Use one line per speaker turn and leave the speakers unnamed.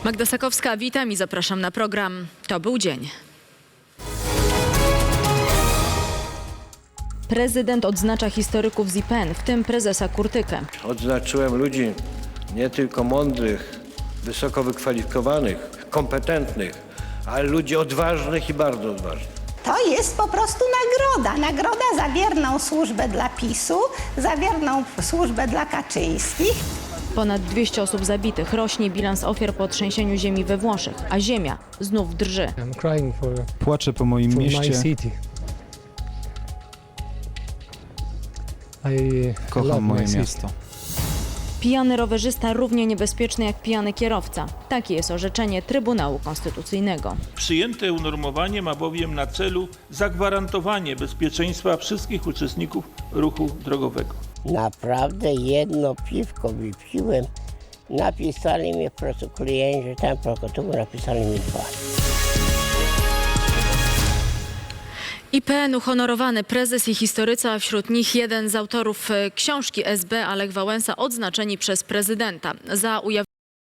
Magda Sakowska, witam i zapraszam na program To był dzień. Prezydent odznacza historyków z IPN, w tym prezesa Kurtykę.
Odznaczyłem ludzi nie tylko mądrych, wysoko wykwalifikowanych, kompetentnych, ale ludzi odważnych i bardzo odważnych.
To jest po prostu nagroda. Nagroda za wierną służbę dla PiS-u, za wierną służbę dla Kaczyńskich.
Ponad 200 osób zabitych, rośnie bilans ofiar po trzęsieniu ziemi we Włoszech, a ziemia znów drży.
Płaczę po moim mieście. Kocham moje miasto.
Pijany rowerzysta równie niebezpieczny jak pijany kierowca. Takie jest orzeczenie Trybunału Konstytucyjnego.
Przyjęte unormowanie ma bowiem na celu zagwarantowanie bezpieczeństwa wszystkich uczestników ruchu drogowego.
Naprawdę jedno piwko wypiłem. Napisali mi w protokole, że tam prokuratura napisali mi 2.
IPN uhonorowany prezes i historycy, a wśród nich jeden z autorów książki SB, Lech Wałęsa, odznaczeni przez prezydenta za ujawnienie